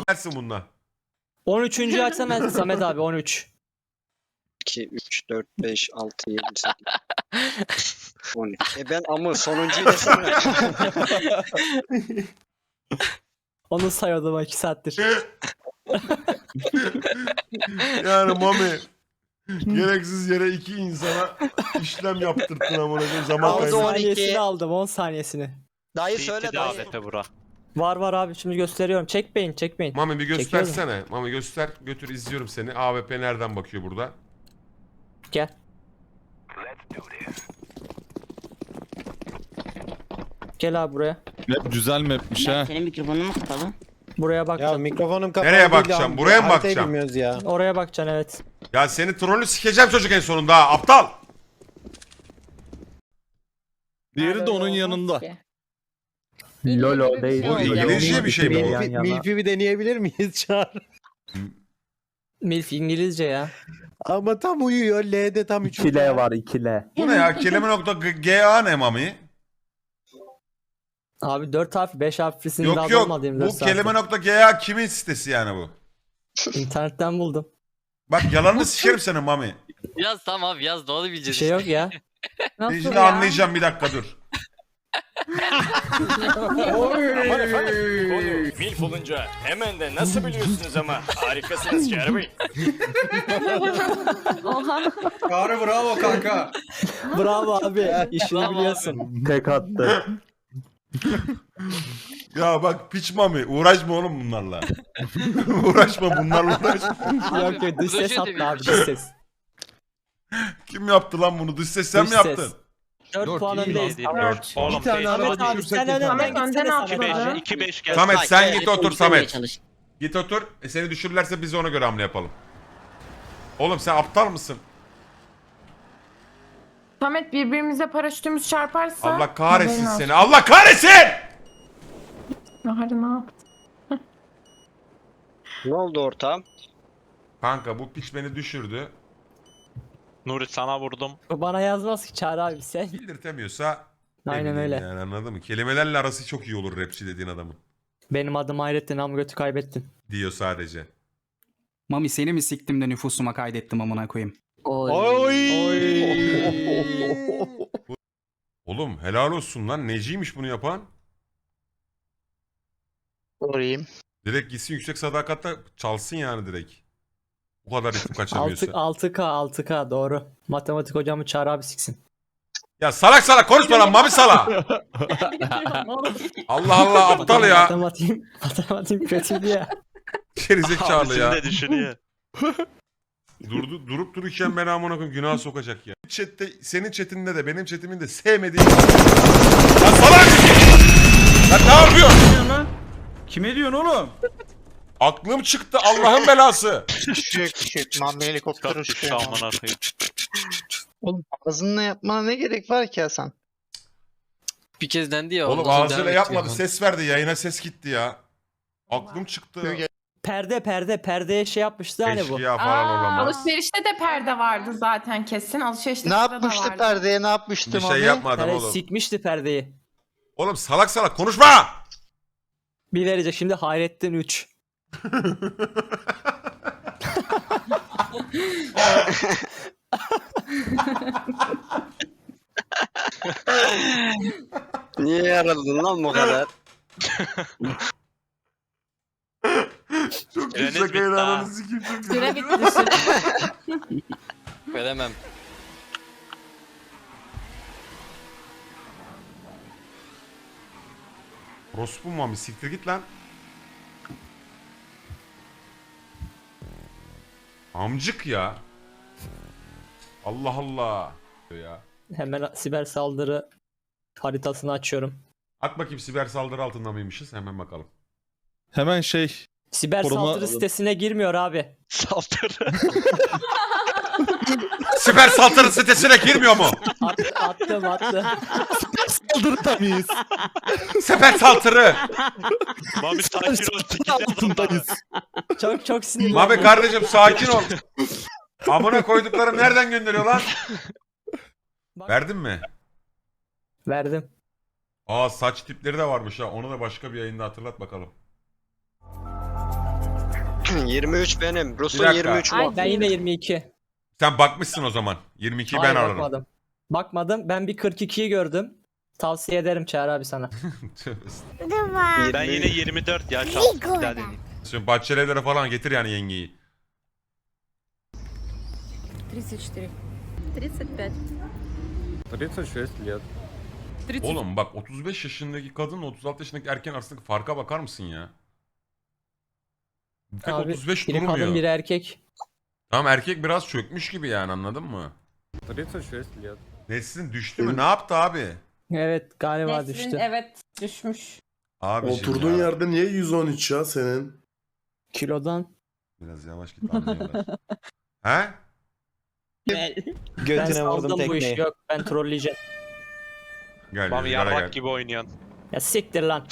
Dersin bununla. 13. açsana Samet abi 13. 2, 3, 4, 5, 6, 7, 8, 12. Ben ama sonuncuyu desene. Onu sayıyordum 2 saattir. Yani Mami gereksiz yere iki insana işlem yaptırttın amına koyayım, zaman 10 Aldı kaybı. 12. saniyesini aldım 10 saniyesini. Dayı söyle CT'de dayı. AWP bura. Var abi şimdi gösteriyorum. Çekmeyin. Mami bir Çekiyorum. göstersene. Mami göster. Götür, izliyorum seni. AWP nereden bakıyor burada? Gel. Gel abi buraya. Map güzel mapmiş ha. Senin mikrofonun mu kapalı? Buraya Ya bakacaksın. mikrofonum kapalı. Nereye değil bakacağım? abi. Buraya mı Haritayı bakacağım? bilmiyoruz ya. Oraya bakacaksın evet. Ya seni trollü sikeceğim çocuk en sonunda ha, aptal. Diğeri de onun yanında. Lolo değil. Bu İngilizce bir şey mi bu? Yan yana. Milfi bir deneyebilir miyiz Çağrı? Milf İngilizce ya. Ama tam uyuyor. L'de tam 3. 2L var 2L. Bu ne ya? Kelime.ga ne Mami? Abi 4 harf 5 harflisini Yok daha yok. bulmadı 24 Bu saatte. kelime.ga kimin sitesi yani bu? İnternetten buldum. Bak yalanını sikerim senin Mami. Yaz tamam abi yaz doğru Bir bileceğiz. şey yok ya. Ben şimdi anlayacağım, bir dakika dur. Aman efendim, konu milf olunca hemen de nasıl biliyorsunuz ama harikasınız Çağrı Bey. Çağrı bravo kanka. Bravo abi. İşini biliyorsun. Tek attı. Ya bak piç Mami, uğraşma oğlum bunlarla. Uğraşma bunlarla, uğraşma. Yok yok dış ses attı abi dış ses. Kim yaptı lan bunu? Dış ses sen Dış mi yaptın? ses. 4 Dört puan iyi öndeyiz. lan. Dört. Oğlum Bir tane 5 araba Samet abi düşürsek sen yeter. önden gitsene Samet abi. 2-5 gel. Samet sen git otur Konuşmaya Samet. çalış. Git otur. Seni düşürürlerse biz ona göre hamle yapalım. Oğlum sen aptal mısın? Samet birbirimize paraşütümüz çarparsa... Allah kahretsin haberin seni. Allah kahretsin! olsun. Bahar ne yaptı? Ne oldu ortağım? Kanka bu piç beni düşürdü. Nuri sana vurdum. O bana yazmaz ki Çağrı abi sen. Bildirtemiyorsa ne Aynen bileyim öyle. yani, anladın mı? Kelimelerle arası çok iyi olur rapçi dediğin adamın. Benim adım Hayrettin ama götü kaybettin. Diyor sadece. Mami seni mi siktim de nüfusuma kaydettim amına koyayım. Oğlum helal olsun lan. Neciymiş bunu yapan? Sorayım. Direkt gitsin yüksek sadakatle çalsın yani direkt. Bu kadar ritim kaçamıyorsa. 6K doğru. Matematik hocamı Çağrı abi siksin. Ya salak salak konuşma lan Mami sala. Allah Allah aptal ya. Matematiğim kötüydü ya. Gerizekalı ya. düşünüyor. Durup dururken beni amına koyayım günaha sokacak ya. Chat'te, senin chatinde de benim chatimin de sevmediğim... Lan salak! Lan ne yapıyorsun? Kime diyorsun oğlum? Aklım çıktı Allah'ın belası. Mami helikopter Kaptük amına koyayım. Oğlum ağzınla yapmana ne gerek var ki Hasan? Bir kez dendi ya. Oğlum ondan sonra ağzıyla devam yapmadı, edeceğim. ses verdi, yayına ses gitti ya. Aklım çıktı. Perdeye şey yapmıştı hani bu. Eşkıya falan olamaz. Alışverişte de perde vardı zaten kesin. Alışverişte Ne de yapmıştı vardı. perdeye ne yapmıştı Bir şey Mami? yapmadım Perde oğlum. sikmişti perdeyi. Oğlum salak salak konuşma! Bir verecek şimdi Hayrettin 3. Niye yaraladın lan bu kadar? Çok iyi Süreniz şaka bitti ilanını ha. sikeyim çok iyi. Süre bitti süre. Veremem. Orospu Mami siktir git lan. Amcık ya. Allah Allah. Ya. Hemen siber saldırı haritasını açıyorum. At bakayım siber saldırı altında mıymışız? Hemen bakalım. Hemen şey. Siber Koruma- saldırı sitesine girmiyor abi. Saldırı. Siber saldırı sitesine girmiyor mu? Attım. Saldırıda mıyız? Siber saldırı. Mami sakin ol. Altındayız. Çok sinirli. Mami kardeşim sakin ol. Amına koyduklarım nereden gönderiyor lan? Verdin mi? Verdim. Aa saç tipleri de varmış ha. Onu da başka bir yayında hatırlat bakalım. 23 benim. Rus'un Bir dakika. 23 Ay, mu? Ben yine 22. Sen bakmışsın o zaman. 22'yi ben Hayır, alırım. bakmadım. Bakmadım. Ben bir 42'yi gördüm. Tavsiye ederim Çağrı abi sana. Tövbe estağfurullah. Ben yine 24 ya şans. Bir daha deneyeyim. Şimdi Bahçelievlere falan getir yani yengeyi. 34. 35. 36 лет. Oğlum bak 35 yaşındaki kadınla 36 yaşındaki erkeğin arasındaki farka bakar mısın ya? Pek Abi, 35 biri durmuyor. kadın biri erkek. Tamam erkek biraz çökmüş gibi yani anladın mı? 36 лет. Neslin düştü mü? Ne yaptı abi? Evet galiba Neslin, düştü. evet düşmüş. Abi Oturduğun yerde niye 113 ya senin? Kilodan. Biraz yavaş git anlıyorlar. He? Ben Götüne vurdum saldım bu işi. tekmeyi. Yok ben trolleyeceğim. Gel Mami Rüzgar'a yarrak gel. gibi oynuyorsun. Ya siktir lan.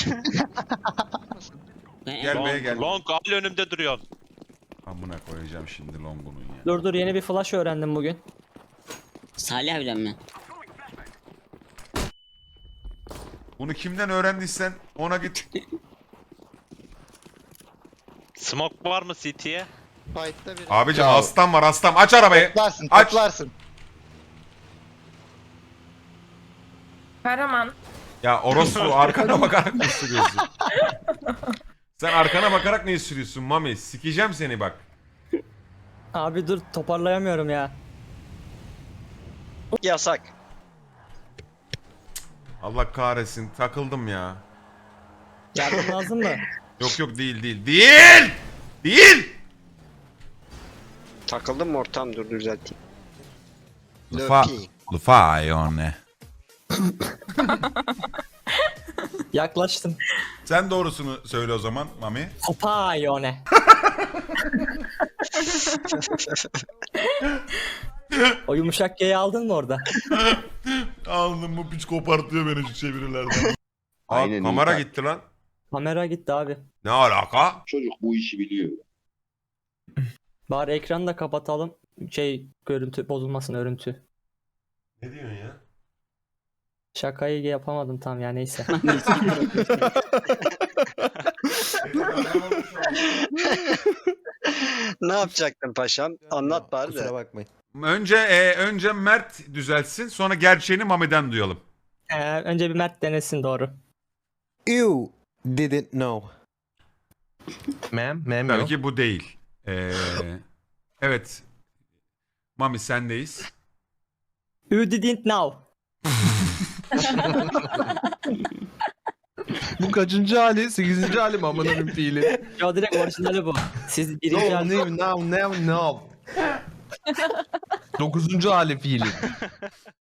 Gel B'ye gel. Long al önümde duruyorsun. Amına koyacağım şimdi Longun'un ya. Dur yeni bir flash öğrendim bugün. Salih abiden mi? Bunu kimden öğrendiysen ona git. Smoke var mı CT'ye? Abicim aslan var aslan. Aç arabayı. Aç. Karaman. Ya orospu arkana bakarak ne sürüyorsun? Sen arkana bakarak ne sürüyorsun Mami? Sikeceğim seni bak. Abi dur toparlayamıyorum ya. Yasak. Allah kahretsin takıldım ya. Yardım lazım mı? Yok değil. Değil! Takıldım mı ortam, dur düzelteyim. Lufayone. Yaklaştım. Sen doğrusunu söyle o zaman Mami. Hopayone. O yumuşak G'yi aldın mı orada? Aldım bu piç kopartıyor beni şu çevirilerden. Aynen, Kamera iyi. gitti lan. Kamera gitti abi. Ne alaka? Çocuk bu işi biliyor. Bari ekranı da kapatalım. Görüntü bozulmasın örüntü. Ne diyorsun ya? Şakayı yapamadım tam ya neyse. Ne yapacaktın paşam? Anlat bari Kusura de. bakmayın. Önce Mert düzeltsin sonra gerçeğini Mami'den duyalım. Önce bir Mert denesin doğru. You didn't know. Tabii ki bu değil. Evet. Mami sendeyiz. You didn't know. Bu kaçıncı hali? 8. hali mi amına fiili? Yo direkt orijinali bu. Siz birinci hali... No. 9. hali fiili.